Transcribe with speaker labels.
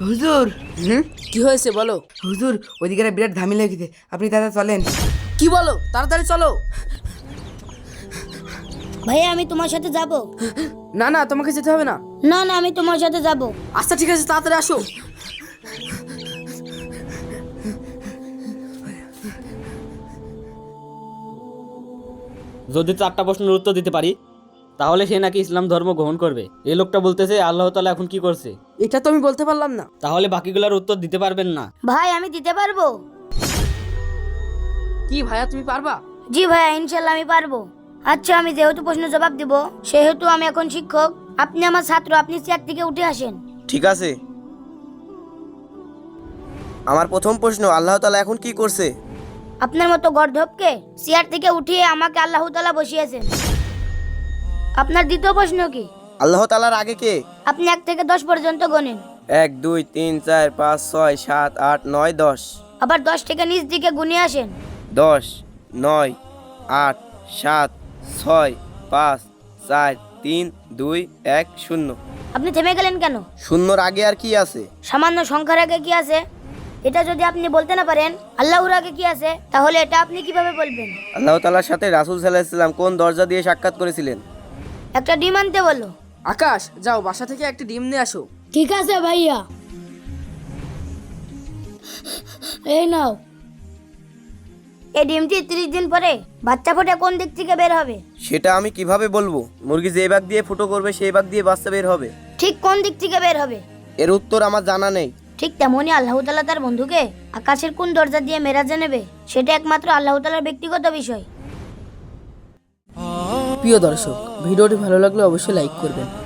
Speaker 1: হুজুর।
Speaker 2: কি হয়েছে বলো।
Speaker 1: হুজুর, ওইদিকে একটা বিরাট ঝামেলা লেগেছে, আপনি দাদা চলেন।
Speaker 2: কি বলো, তাড়াতাড়ি চলো।
Speaker 3: ভাইয়া আমি তোমার সাথে যাব।
Speaker 2: না না, তোমাকে যেতে হবে না।
Speaker 3: না না, আমি তোমার সাথে যাব।
Speaker 2: আচ্ছা ঠিক আছে, তাড়াতাড়ি আসো।
Speaker 4: যদি 4টা প্রশ্নের উত্তর দিতে পারি তাহলে সে নাকি ইসলাম ধর্ম গ্রহণ করবে। এই লোকটা বলতেছে আল্লাহ তাআলা এখন কি করছে।
Speaker 2: এটা তো আমি বলতে পারলাম না।
Speaker 4: তাহলে বাকিগুলোর উত্তর দিতে পারবেন না?
Speaker 3: ভাই আমি দিতে পারবো।
Speaker 2: কি ভাইয়া, তুমি পারবা?
Speaker 3: জি ভাইয়া, ইনশাল্লাহ আমি পারবো। আচ্ছা, আমি যেহেতু প্রশ্ন জবাব দিব, সেহেতু আমি এখন শিক্ষক, আপনি আমার ছাত্র, আপনি চেয়ার থেকে উঠে আসেন।
Speaker 5: ঠিক আছে। আমার প্রথম প্রশ্ন, আল্লাহ তাআলা এখন কি করছে?
Speaker 3: আপনার মতো গর্ধবকে চেয়ার থেকে উঠিয়ে আমাকে আল্লাহ তাআলা বসিয়েছেন। আপনার দ্বিতীয় প্রশ্ন কি?
Speaker 5: আল্লাহ তাআলার আগে কে?
Speaker 3: আপনি 1 থেকে 10 পর্যন্ত গণেন।
Speaker 5: 1 2 3 4 5 6 7 8 9 10।
Speaker 3: আবার 10 থেকে নিচ দিকে গুনে আসেন।
Speaker 5: 10 9 8 7 6 5 4 3 2 1 0।
Speaker 3: আপনি থেমে গেলেন কেন?
Speaker 5: শূন্যর আগে আর কি আছে?
Speaker 3: সামান্য সংখ্যার আগে কি আছে? এটা যদি আপনি বলতে না পারেন, আল্লাহর আগে কি আছে, তাহলে এটা আপনি কিভাবে বলবেন?
Speaker 5: আল্লাহ তাআলার সাথে রাসূল সাল্লাল্লাহু আলাইহি ওয়াসাল্লাম কোন দরজা দিয়ে সাক্ষাৎ করেছিলেন?
Speaker 3: একটা ডিম আনতে বলো।
Speaker 2: আকাশ, যাও বাসা থেকে একটা ডিম নিয়ে আসো।
Speaker 3: ঠিক আছে ভাইয়া, এই নাও। এই ডিমটি 30 দিন পরে বাচ্চা ফোটে কোন দিক থেকে বের হবে?
Speaker 5: সেটা আমি কিভাবে বলবো? মুরগি যে ভাগ দিয়ে ফুটো করবে সেই ভাগ দিয়ে বাচ্চা বের হবে।
Speaker 3: ঠিক কোন দিক থেকে বের হবে?
Speaker 5: এর উত্তর আমার জানা নেই।
Speaker 3: ঠিক তেমনি আল্লাহ তাআলা তার বন্ধুকে আকাশের কোন দরজা দিয়ে মেরাজে নেবে, সেটা একমাত্র আল্লাহ তাআলার ব্যক্তিগত বিষয়।
Speaker 2: প্রিয় দর্শক, ভিডিওটি ভালো লাগলে অবশ্যই লাইক করবেন।